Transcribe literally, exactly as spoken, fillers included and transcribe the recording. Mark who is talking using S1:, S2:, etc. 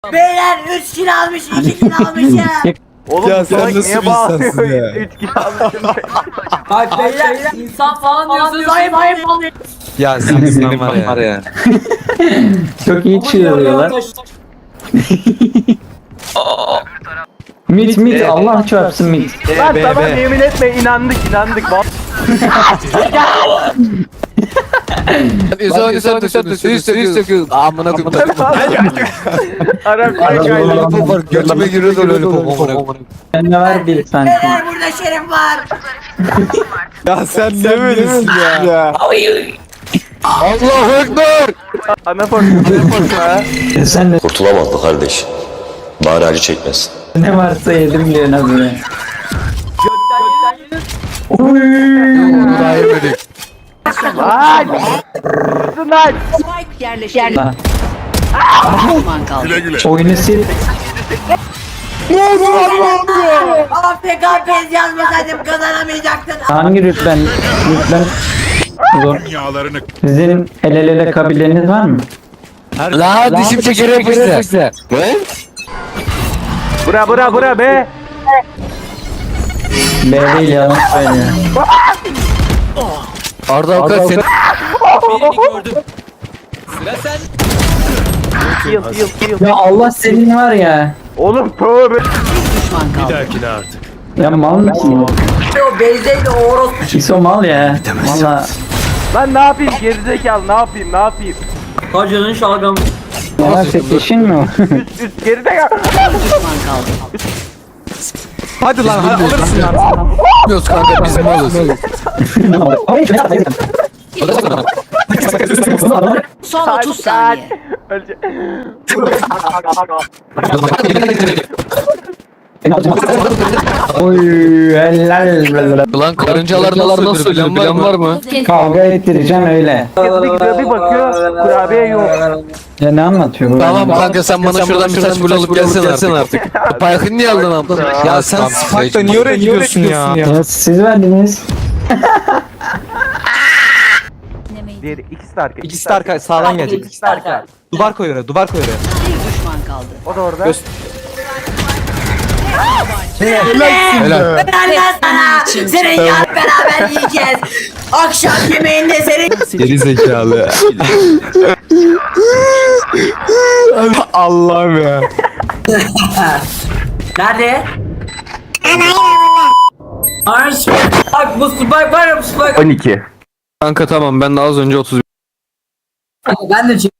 S1: Beyler üç kill almış, iki kill almış ya.
S2: Oğlum
S3: Ya
S2: bu
S3: sen
S2: salak
S3: nasıl
S2: niye
S3: bir insansın
S2: bağırıyor?
S3: ya?
S2: üç kilo almışım.
S1: Bak beyler insan falan diyorsunuz, ayıp ayıp oluyor.
S3: Ya senin senin var ya.
S4: Çok iyi çığırıyorlar. Mit mit Allah çarpsın mit.
S2: Lan
S3: be,
S2: tamam
S3: be.
S2: yemin etme inandık inandık. Vallahi
S5: Üstü üstü üstü üstü üstü amına koyayım.
S2: Arap
S4: Arap
S2: kaydı.
S4: olan-
S3: Var götüme giriyor da öyle popom.
S4: Ne var bir sanki.
S1: Beyler burada şerif var.
S3: Ya sen ne böylesin ya?
S5: Allahu ekber.
S2: Ana portu ana portu ha.
S4: E sen de
S6: Kurtulamaz kardeş. Bari acı çekmesin.
S4: ne varsa yedim diyorsun abi.
S5: Daha yemedik.
S2: Lan! Kızın lan!
S1: Spike yerleştirildi.
S4: Ha.
S1: Düşman kaldı.
S4: Oyunu sil.
S1: A F K pez yazmasaydım kazanamayacaktın.
S4: Hangi rütben? Rütben zor. Sizin el ele ele kabileniz var mı?
S5: La dişim çeker yapıştı. Ne?
S2: Bura bura bura be!
S4: B değil yalan söylüyor.
S5: Arda Avukat sen.
S2: Yıl yıl yıl.
S4: Ya Allah senin var ya.
S2: Oğlum tövbe.
S1: Düşman kaldı.
S4: Ya mal mısın?
S1: O bezdeydi o orospu.
S4: İso mal ya. Valla.
S2: Lan ne yapayım gerizekalı ne yapayım ne yapayım?
S1: Hacının şalgamı.
S4: Ya seçişin mi o?
S2: Üst üst gerizekalı.
S1: Düşman kaldı.
S3: Hadi lan hadi alırsın lan.
S5: Bilmiyoruz kanka biz malız.
S1: Son otuz saniye.
S2: Ölecek.
S4: Oy helal.
S5: Ulan karıncalar nasıl bilen bilen var mı?
S4: Kavga ettireceksin öyle.
S2: Bir gidiyor bir bakıyor kurabiye yok.
S4: Ya ne anlatıyor bu?
S5: Tamam kanka sen bana şuradan bir taş bul alıp gelsen artık. Payakın niye aldın abi?
S3: Ya sen Spike'da niye oraya gidiyorsun ya?
S4: Ya siz verdiniz.
S2: Diğeri ikisi de arka.
S3: İkisi de arka sağdan gelecek.
S1: İkisi de arka.
S3: Duvar koy oraya, duvar koy oraya.
S1: Bir düşman kaldı.
S2: O da orada.
S3: Göster.
S5: Helal.
S1: Helal sana. Senin yar beraber yiyeceğiz. Akşam yemeğinde senin.
S3: Geri zekalı. Allah'ım ya.
S1: Nerede? Ay bak bu spike var ya bu spike.
S2: on iki.
S5: Kanka tamam ben de az önce otuz
S1: Ben de